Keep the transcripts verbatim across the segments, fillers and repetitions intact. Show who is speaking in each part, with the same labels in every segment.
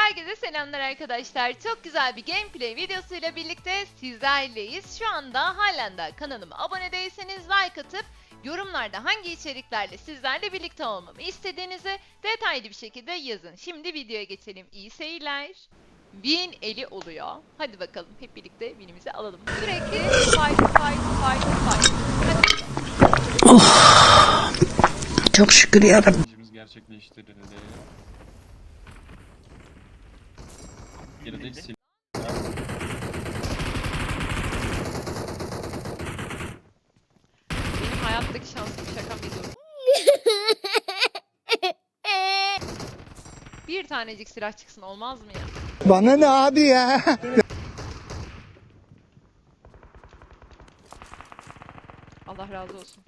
Speaker 1: Herkese selamlar arkadaşlar. Çok güzel bir gameplay videosuyla birlikte sizlerleyiz. Şu anda halen de kanalıma abone değilseniz like atıp yorumlarda hangi içeriklerle sizlerle birlikte olmamı istediğinizi detaylı bir şekilde yazın. Şimdi videoya geçelim. İyi seyirler. Win eli oluyor. Hadi bakalım hep birlikte winimizi alalım. Sürekli fight fight fight fight. Hadi.
Speaker 2: Oh, çok şükür yarabbim.
Speaker 3: Gerçekleştirildi. Geride sil.
Speaker 1: Benim hayattaki şansım şaka bir durum. Bir tanecik silah çıksın olmaz mı ya?
Speaker 2: Bana ne abi ya?
Speaker 1: Allah razı olsun.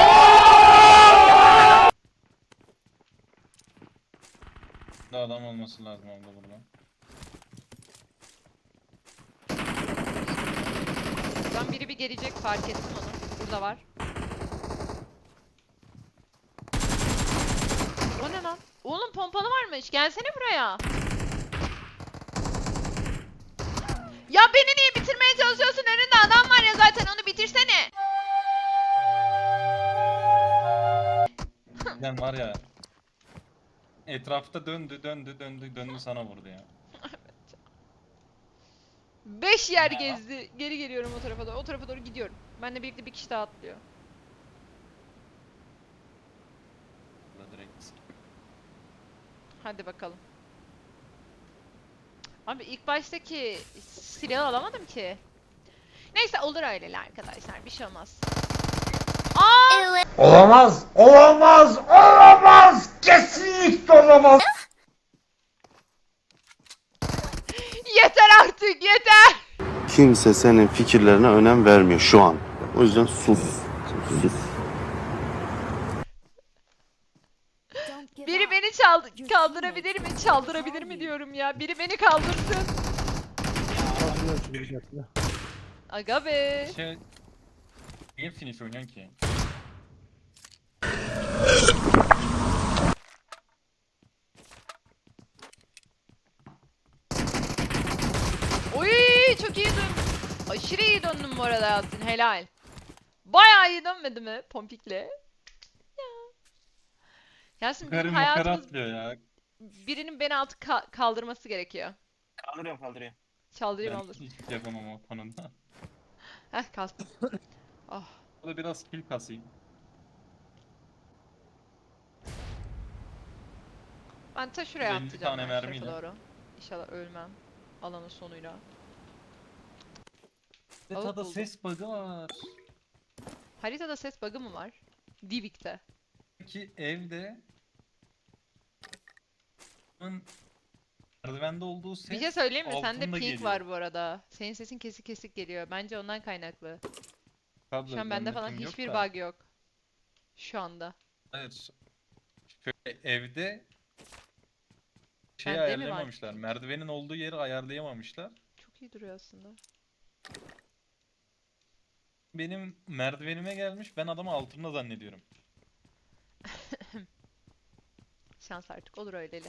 Speaker 3: Daha adam olması lazım abla burada.
Speaker 1: Ben biri bir gelecek fark ettim onu. Burada var. O ne lan? Oğlum pompalı varmış. Gelsene buraya. Ya beni niye bitirmeye çalışıyorsun? Önünde adam var ya zaten onu bitirsene.
Speaker 3: Sen var ya. Etrafta döndü döndü döndü döndü sana vurdu ya.
Speaker 1: Beş yer gezdi. Geri geliyorum o tarafa doğru. O tarafa doğru gidiyorum. Benle birlikte bir kişi daha atlıyor.
Speaker 3: Burada direkt.
Speaker 1: Hadi bakalım. Abi ilk baştaki silahı alamadım ki. Neyse olur öyle arkadaşlar. Bir şey olmaz. Aa!
Speaker 4: Olamaz, olamaz, olamaz, kesinlikle olamaz.
Speaker 1: Yeter artık yeter.
Speaker 5: Kimse senin fikirlerine önem vermiyor şu an. O yüzden sus. Sus.
Speaker 1: Biri beni çaldı kaldırabilir mi? Çaldırabilir mi diyorum ya. Biri beni kaldırsın. Aga be.
Speaker 3: Şey... Niye finish oynuyorsun ki?
Speaker 1: Oy çok iyi döndüm. Aşırı iyi döndüm bu arada Yasin. Helal. Bayağı iyi dönmedi mi Pompik'le? Ya. Yasin bizim
Speaker 3: Karım makara
Speaker 1: hayatımız
Speaker 3: atlıyor ya.
Speaker 1: birinin beni altı ka- kaldırması gerekiyor.
Speaker 4: Kaldırıyorum, kaldırıyorum.
Speaker 1: Çaldırayım
Speaker 3: Ben
Speaker 1: olur.
Speaker 3: hiç yapamam o konuda.
Speaker 1: Heh kalktım. Oh.
Speaker 3: O da biraz kill kasayım.
Speaker 1: Ben ta şuraya
Speaker 3: elli
Speaker 1: atlayacağım
Speaker 3: tane
Speaker 1: ben şu
Speaker 3: mermiyle.
Speaker 1: tarafa doğru. İnşallah ölmem. Alanın sonuyla.
Speaker 3: Haritada
Speaker 1: buldum.
Speaker 3: ses bug'ı var.
Speaker 1: Haritada ses bug'ı mı var? Divik'te.
Speaker 3: Ki evde Bunun merdivende olduğu ses
Speaker 1: Bir şey söyleyeyim mi? Sende
Speaker 3: altında
Speaker 1: ping
Speaker 3: geliyor.
Speaker 1: var bu arada. Senin sesin kesik kesik geliyor. Bence ondan kaynaklı.
Speaker 3: Tabii,
Speaker 1: Şu an bende falan
Speaker 3: ping yok
Speaker 1: hiçbir
Speaker 3: da.
Speaker 1: bug yok. Şu anda.
Speaker 3: Hayır. Şöyle evde şey
Speaker 1: Bende mi var?
Speaker 3: ayarlayamamışlar. Merdivenin olduğu yeri ayarlayamamışlar.
Speaker 1: Çok iyi duruyor aslında.
Speaker 3: Benim merdivenime gelmiş. Ben adamı altımda zannediyorum.
Speaker 1: Şans artık olur öyleli.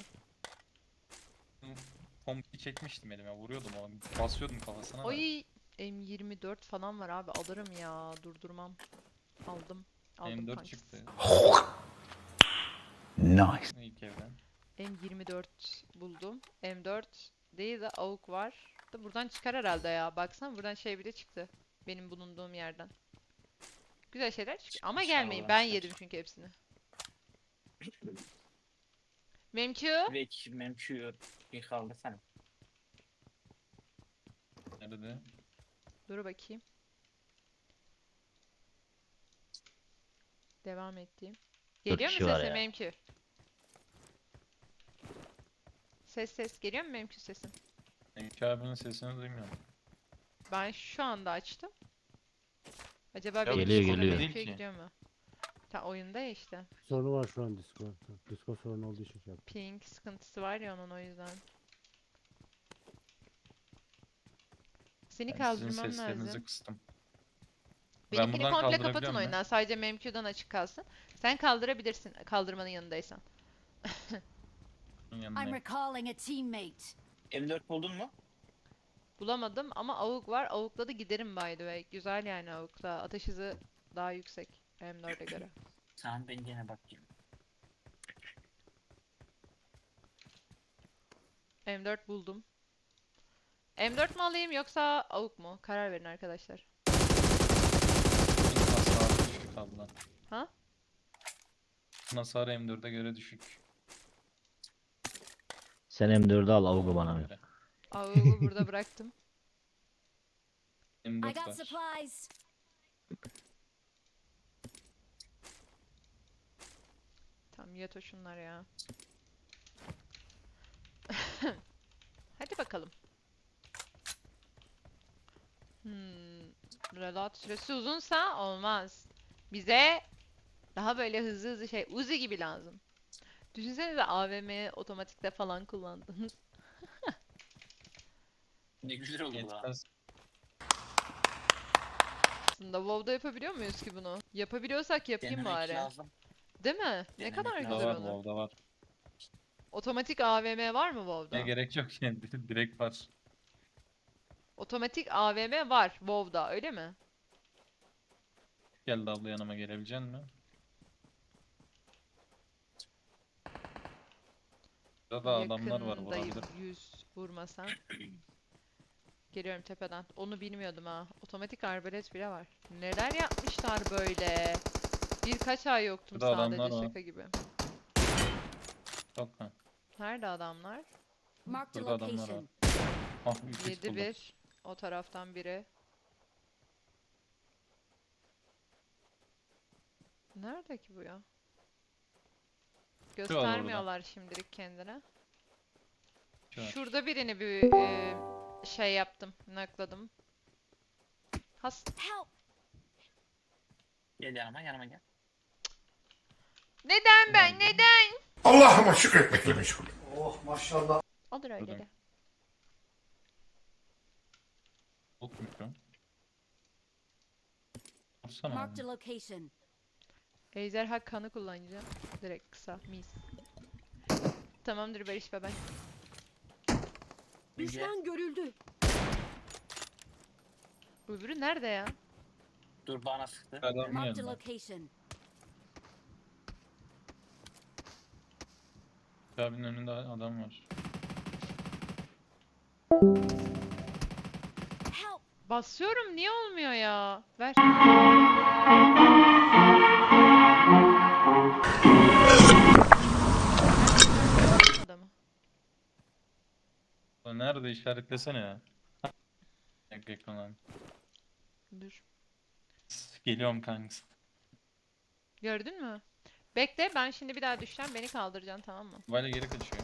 Speaker 3: Kompi çekmiştim elime. Vuruyordum onu. Basıyordum kafasına. da.
Speaker 1: Oy M yirmi dört falan var abi alırım ya durdurmam. Aldım. Aldım
Speaker 3: M dört
Speaker 1: kanks.
Speaker 3: çıktı.
Speaker 4: Nice.
Speaker 3: İlk evden.
Speaker 1: M yirmi dört buldum. M dört değil de A W P var. Da buradan çıkar herhalde ya. Baksana buradan şey bile çıktı. Benim bulunduğum yerden. Güzel şeyler çıkıyor. Ama
Speaker 4: İnşallah
Speaker 1: gelmeyin. Ben
Speaker 4: çıkar.
Speaker 1: yedim çünkü hepsini. Memçu.
Speaker 4: Ve memçu bir kaldı sen.
Speaker 3: Nerede?
Speaker 1: Dur bakayım. Devam ettiğim. Geliyor mu
Speaker 6: kişi var
Speaker 1: sesim
Speaker 6: ya.
Speaker 1: Memçu? Ses ses geliyor mu Memçu sesim?
Speaker 3: Emki abinin sesini duymuyorum.
Speaker 1: Ben şu anda açtım. Acaba
Speaker 3: Ya
Speaker 1: benim
Speaker 6: geliyor,
Speaker 1: sesim
Speaker 6: geliyor.
Speaker 1: Memçu'ya
Speaker 3: Değil ki.
Speaker 1: gidiyor mu? Ta oyunda ya işte.
Speaker 7: Sorunu var şu an Discord'da. Discord sorunu olduğu için şey yaptım.
Speaker 1: Ping sıkıntısı var ya onun o yüzden. Seni
Speaker 3: Ben sizin
Speaker 1: kaldırmam
Speaker 3: seslerinizi
Speaker 1: lazım.
Speaker 3: kıstım.
Speaker 1: Benimkini
Speaker 3: buradan
Speaker 1: komple kapatın
Speaker 3: kaldırabiliyorum ben.
Speaker 1: oyundan. Sadece Memq'dan açık kalsın. Sen kaldırabilirsin kaldırmanın yanındaysan.
Speaker 3: Bunun
Speaker 8: I'm
Speaker 3: yanındayım.
Speaker 8: recalling a teammate.
Speaker 4: M dört buldun mu?
Speaker 1: Bulamadım ama avuk var. Avukla da giderim by the way. Güzel yani avukla. Ateş hızı daha yüksek M dört'e göre.
Speaker 4: Tamam ben gene bakayım.
Speaker 1: M dört buldum. M dört mu alayım yoksa avuk mu? Karar verin arkadaşlar.
Speaker 3: Hasarı düşük abla.
Speaker 1: Ha?
Speaker 3: Hasarı M dörde göre düşük.
Speaker 6: Sen M dördü al avugu bana ver.
Speaker 3: Göre.
Speaker 1: Avuğu burada bıraktım.
Speaker 3: M
Speaker 8: I
Speaker 3: dört
Speaker 8: got
Speaker 3: var.
Speaker 8: supplies.
Speaker 1: Tamam yat o şunlar ya. Hadi bakalım. Hmm. Reload süresi uzunsa olmaz. Bize daha böyle hızlı hızlı şey Uzi gibi lazım. Düşünsenize A V M'yi otomatikte falan kullandınız.
Speaker 4: Ne güzel oldu bu lan.
Speaker 3: Yetmez.
Speaker 1: Aslında WoW'da yapabiliyor muyuz ki bunu? Yapabiliyorsak yapayım
Speaker 4: Denemek
Speaker 1: bari.
Speaker 4: lazım.
Speaker 1: Değil mi? Ne
Speaker 4: Denemek
Speaker 1: kadar
Speaker 4: lazım.
Speaker 3: Burada
Speaker 1: güzel
Speaker 3: var,
Speaker 1: olur.
Speaker 3: WoW'da var.
Speaker 1: Otomatik A V M var mı WoW'da?
Speaker 3: Ne gerek yok yani direkt var.
Speaker 1: Otomatik A V M var WoW'da öyle mi?
Speaker 3: Geldi abla yanıma gelebilecek mi? Burada da adamlar var
Speaker 1: Yakındayım,
Speaker 3: vurabilir.
Speaker 1: yüz vurmasam. Geliyorum tepeden. Onu bilmiyordum ha. Otomatik arbalet bile var. Neler yapmışlar böyle? Birkaç ay yoktum
Speaker 3: Burada adamlar
Speaker 1: sadece
Speaker 3: var.
Speaker 1: şaka gibi.
Speaker 3: Çok ha.
Speaker 1: Nerede adamlar?
Speaker 8: Marked a
Speaker 3: Burada adamlar var.
Speaker 8: location.
Speaker 3: Ah üç yüz
Speaker 1: yedi
Speaker 3: buldum.
Speaker 1: bir. O taraftan biri. Nerede ki bu ya? Göstermiyorlar şimdilik kendine.
Speaker 3: Şu var.
Speaker 1: Şurada birini bir e, şey yaptım, nakladım. Has.
Speaker 8: Help!
Speaker 4: Gel yanıma yanıma gel.
Speaker 1: Neden ben? Neden?
Speaker 9: Allah'ıma şükretmekle meşgul.
Speaker 1: Olur öyle
Speaker 3: Buradan.
Speaker 1: de.
Speaker 3: Bok mikro. Vursana
Speaker 8: Marked
Speaker 3: abi.
Speaker 8: a location.
Speaker 1: Ejderha kanı kullanacağım. Direkt kısa, mis. Tamamdır Barış baba.
Speaker 8: Düşman görüldü.
Speaker 1: Öbürü nerede ya?
Speaker 4: Dur bana sıktı.
Speaker 3: Adamın
Speaker 8: Marked a
Speaker 3: yanında.
Speaker 8: location.
Speaker 3: Abinin önünde adam var.
Speaker 8: Help!
Speaker 1: Basıyorum niye olmuyor ya? Ver. Adamı.
Speaker 3: Ulan nerede işaretlesene ya. Yak ekran.
Speaker 1: Dur.
Speaker 3: Geliyorum kanks.
Speaker 1: Gördün mü? Bekle ben şimdi bir daha düşeceğim beni kaldıracaksın tamam mı?
Speaker 3: Böyle geri kaçıyor.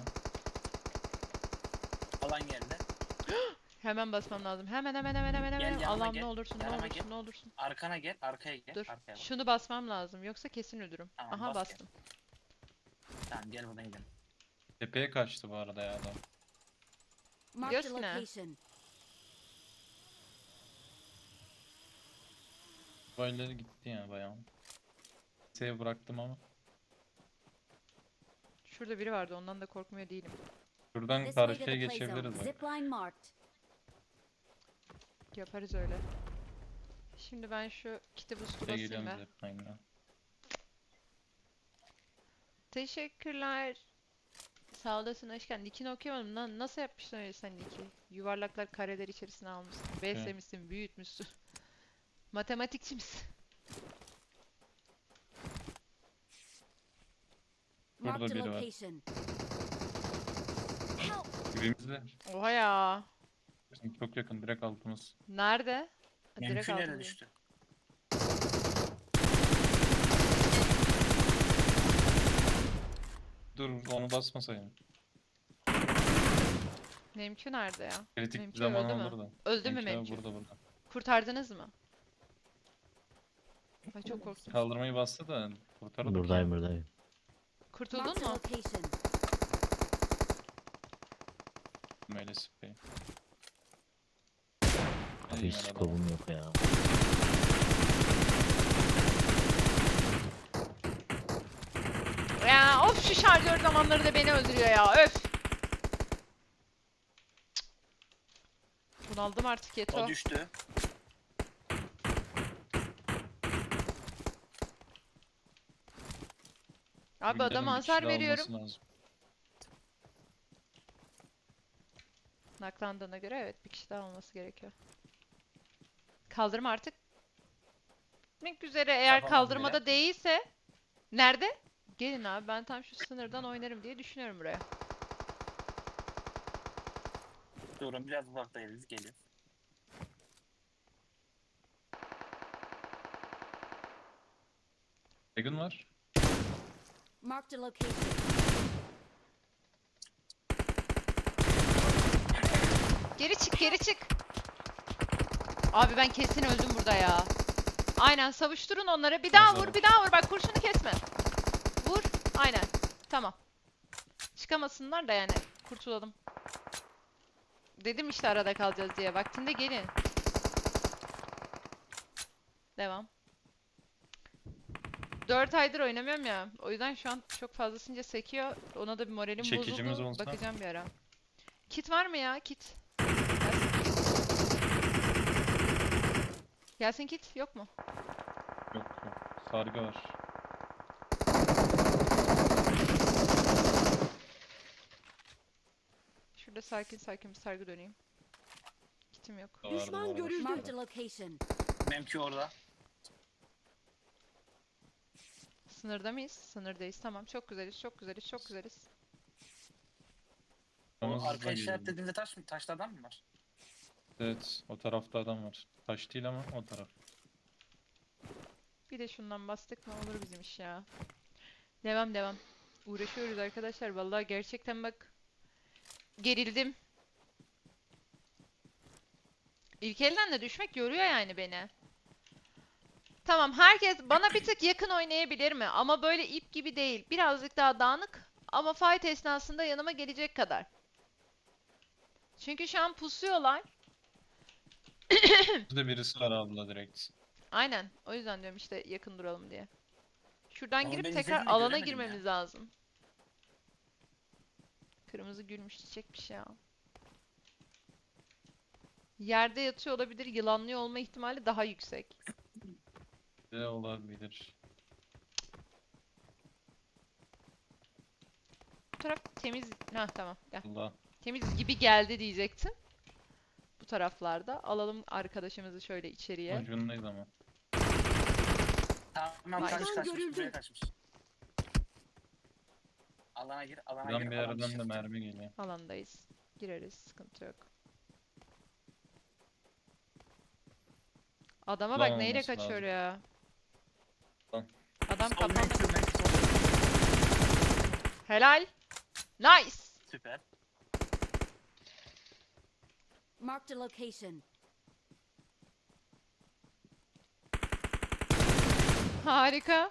Speaker 4: Alan geldi.
Speaker 1: Hemen basmam lazım. Hemen hemen hemen hemen
Speaker 4: Gel,
Speaker 1: hemen.
Speaker 4: yanıma
Speaker 1: Allah'ım
Speaker 4: gel.
Speaker 1: ne olursun ne
Speaker 4: Yanıma
Speaker 1: olursun
Speaker 4: gel.
Speaker 1: ne olursun.
Speaker 4: Arkana gel. Arkaya gel.
Speaker 1: Dur.
Speaker 4: Arkaya bak.
Speaker 1: Şunu basmam lazım yoksa kesin ölürüm.
Speaker 4: Tamam,
Speaker 1: Aha
Speaker 4: bas gel.
Speaker 1: bastım.
Speaker 4: Tamam gel buradan gidelim.
Speaker 3: Tepeye kaçtı bu arada ya adam.
Speaker 8: Marked a
Speaker 1: Biliyorsun ha.
Speaker 8: location.
Speaker 3: Böyle gitti ya bayağı. Save bıraktım ama.
Speaker 1: Şurada biri vardı ondan da korkmuyor değilim.
Speaker 3: Şuradan
Speaker 8: This way to
Speaker 3: karşıya
Speaker 8: the play zone.
Speaker 3: geçebiliriz bak.
Speaker 8: Zipline marked.
Speaker 1: Yaparız öyle. Şimdi ben şu kiti boost'u
Speaker 3: Şey
Speaker 1: basayım
Speaker 3: geliyorum
Speaker 1: be.
Speaker 3: zipline'la.
Speaker 1: Teşekkürler. Sağ olasın hoş geldin. Nick'ini okuyamadım. Lan nasıl yapmışsın öyle sen Nick'i? Yuvarlaklar kareler içerisine almışsın. Beslemişsin, büyütmüşsün. Matematikçi misin?
Speaker 3: Burada
Speaker 8: Marked a
Speaker 3: biri var.
Speaker 8: location. Help!
Speaker 3: Dibimizde.
Speaker 1: Oha ya.
Speaker 3: Bizim çok yakın direkt altımız.
Speaker 1: Nerede? Ha, direkt
Speaker 4: Mümkün yere
Speaker 1: altında.
Speaker 4: düştü.
Speaker 3: Dur onu basmasaydım.
Speaker 1: Memkü nerede ya?
Speaker 3: Kritik bir
Speaker 1: Memkü
Speaker 3: zaman
Speaker 1: öldü mü?
Speaker 3: olur da.
Speaker 1: Öldü mü
Speaker 3: Memkü abi
Speaker 1: Memkü?
Speaker 3: burada burada.
Speaker 1: Kurtardınız mı? Ay çok korktum.
Speaker 3: Kaldırmayı bastı da kurtardık.
Speaker 6: Buradayım buradayım.
Speaker 1: Kurtuldun
Speaker 8: Marked a
Speaker 1: mu?
Speaker 8: location.
Speaker 3: Böyle sprey.
Speaker 6: Abi hiç skobum yok ya.
Speaker 1: Ya of şu şarjör zamanları da beni öldürüyor ya öf. Bunaldım artık Yeto.
Speaker 4: O düştü.
Speaker 1: Abi
Speaker 3: Bilmiyorum,
Speaker 1: adama
Speaker 3: bir kişi
Speaker 1: hasar
Speaker 3: daha
Speaker 1: veriyorum.
Speaker 3: olması lazım.
Speaker 1: Naklandığına göre evet bir kişi daha olması gerekiyor. Kaldırma artık. Bitmek üzere eğer
Speaker 4: Kafamdan
Speaker 1: kaldırmada
Speaker 4: bile.
Speaker 1: değilse. Nerede? Gelin abi ben tam şu sınırdan oynarım diye düşünüyorum buraya.
Speaker 4: Durun biraz uzaktayız. Geliyor.
Speaker 3: Dragon var.
Speaker 8: Marked a location.
Speaker 1: Geri çık geri çık. Abi ben kesin öldüm burada ya. Aynen savuşturun onları. Bir daha vur bir daha vur. Bak kurşunu kesme. Vur. Aynen. Tamam. Çıkamasınlar da yani. Kurtulalım. Dedim işte arada kalacağız diye. Vaktinde gelin. Devam. dört aydır oynamıyorum ya. O yüzden şu an çok fazlasınca sekiyor. Ona da bir moralim
Speaker 3: Çekicimiz
Speaker 1: bozuldu.
Speaker 3: olsa.
Speaker 1: Bakacağım bir ara. Kit var mı ya? Kit. Gelsin kit. Yok mu?
Speaker 3: Yok yok. Sargı var.
Speaker 1: Şurada sakin sakin bir sargı döneyim. Kitim yok.
Speaker 3: Var, var,
Speaker 8: Düşman
Speaker 3: var.
Speaker 8: görüldü. Marked a location.
Speaker 4: Benimki orada.
Speaker 1: Sınırda mıyız? Sınırdayız. Tamam. Çok güzeliz. Çok güzeliz. Çok güzeliz.
Speaker 4: O
Speaker 3: Hızlı
Speaker 4: arka
Speaker 3: geliyor.
Speaker 4: işaretlediğinde taş mı? Taşlı adam mı var?
Speaker 3: Evet. O tarafta adam var. Taş değil ama o taraf.
Speaker 1: Bir de şundan bastık mı olur bizim iş ya. Devam devam. Uğraşıyoruz arkadaşlar. Vallahi gerçekten bak. Gerildim. İlk elden de düşmek yoruyor yani beni. Tamam herkes bana bir tık yakın oynayabilir mi? Ama böyle ip gibi değil. Birazcık daha dağınık. Ama fight esnasında yanıma gelecek kadar. Çünkü şu an pusuyorlar.
Speaker 3: Burada birisi var abla direkt.
Speaker 1: Aynen. O yüzden diyorum işte yakın duralım diye. Şuradan
Speaker 4: Oğlum
Speaker 1: girip
Speaker 4: ben
Speaker 1: tekrar
Speaker 4: izledim de
Speaker 1: alana
Speaker 4: göremedim
Speaker 1: girmemiz lazım. Kırmızı gülmüş çiçekmiş ya. Yerde yatıyor olabilir. Yılanlıyor olma ihtimali daha yüksek.
Speaker 3: Ne olabilir?
Speaker 1: Bu taraf temiz. Ha tamam gel.
Speaker 3: Allah.
Speaker 1: Temiz gibi geldi diyecektim. Bu taraflarda. Alalım arkadaşımızı şöyle içeriye.
Speaker 3: Ucundayız ama.
Speaker 4: Tamam
Speaker 1: Vay.
Speaker 4: kaç
Speaker 8: Düşman
Speaker 4: kaçmış
Speaker 8: görüldü.
Speaker 4: buraya kaçmış. Alana gir, alana
Speaker 3: Buradan
Speaker 4: gir.
Speaker 3: bir
Speaker 4: alana
Speaker 3: yerden de
Speaker 4: shift.
Speaker 3: mermi geliyor.
Speaker 1: Alandayız. Gireriz. Sıkıntı yok. Adama bak
Speaker 3: Ulan
Speaker 1: neyle
Speaker 3: olması
Speaker 1: kaçıyor
Speaker 3: lazım.
Speaker 1: ya.
Speaker 3: Lan.
Speaker 1: Adam
Speaker 4: Sol
Speaker 1: kafanda.
Speaker 4: menki, menki sol.
Speaker 1: Helal. Nice.
Speaker 4: Süper.
Speaker 8: Marked a location.
Speaker 1: Harika.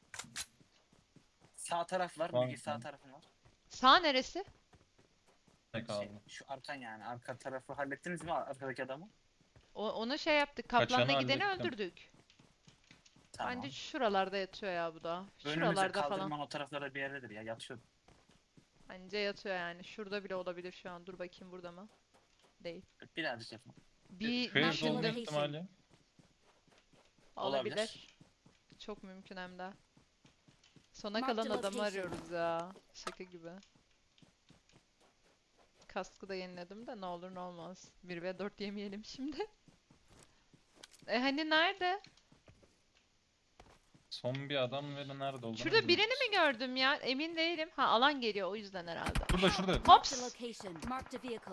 Speaker 4: Sağ taraf var.
Speaker 3: Tamam,
Speaker 4: Bilgi sağ
Speaker 3: tamam.
Speaker 4: tarafın var.
Speaker 1: Sağ neresi?
Speaker 3: Ne
Speaker 4: Şey,
Speaker 3: kaldı?
Speaker 4: şu arkan yani. Arka tarafı hallettiniz mi arkadaki adamı?
Speaker 1: O, onu şey yaptık.
Speaker 3: Kaçanı
Speaker 1: Kaplanla gideni
Speaker 3: hallettim.
Speaker 1: öldürdük.
Speaker 4: Tamam.
Speaker 1: Bence şuralarda yatıyor ya bu da.
Speaker 4: Önümüzde
Speaker 1: Şuralarda
Speaker 4: kaldırman
Speaker 1: falan.
Speaker 4: o taraflarda bir yerdedir ya. Yatıyor.
Speaker 1: Bence yatıyor yani. Şurada bile olabilir şu an. Dur bakayım burada mı? Değil.
Speaker 4: Birazcık yapın.
Speaker 1: Bir
Speaker 3: Şu evde
Speaker 8: Marshall
Speaker 3: olma
Speaker 8: Location.
Speaker 3: ihtimali.
Speaker 1: olabilir.
Speaker 4: Olabilir.
Speaker 1: Çok mümkün hem de. Sona
Speaker 8: Mark
Speaker 1: kalan
Speaker 8: the
Speaker 1: adamı
Speaker 8: location.
Speaker 1: arıyoruz ya. Şaka gibi. Kaskı da yeniledim de ne olur ne olmaz. bir ve dört yemeyelim şimdi. E hani nerede?
Speaker 3: Son bir adam ve de nerede olduğunu
Speaker 1: Şurada birini
Speaker 3: bilmiyoruz.
Speaker 1: mi gördüm ya? Emin değilim. Ha alan geliyor o yüzden herhalde.
Speaker 3: Şurada şurada.
Speaker 8: Marked a
Speaker 1: Hops!
Speaker 8: location. Marked a vehicle.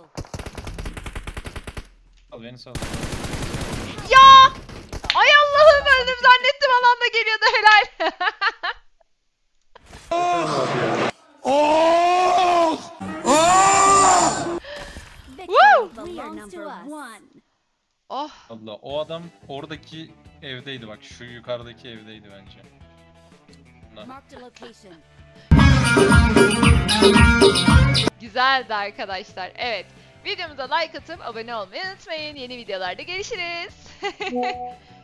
Speaker 3: Al beni sal.
Speaker 1: Ya! Ay Allah'ım öldüm zannettim alanda geliyordu helal. Woo!
Speaker 8: Belongs to us.
Speaker 1: Oh
Speaker 3: Allah o adam oradaki evdeydi bak şu yukarıdaki evdeydi bence. Bunlar.
Speaker 8: Marked a location.
Speaker 1: güzeldi arkadaşlar. Evet. Videomuza like atıp abone olmayı unutmayın. Yeni videolarda görüşürüz.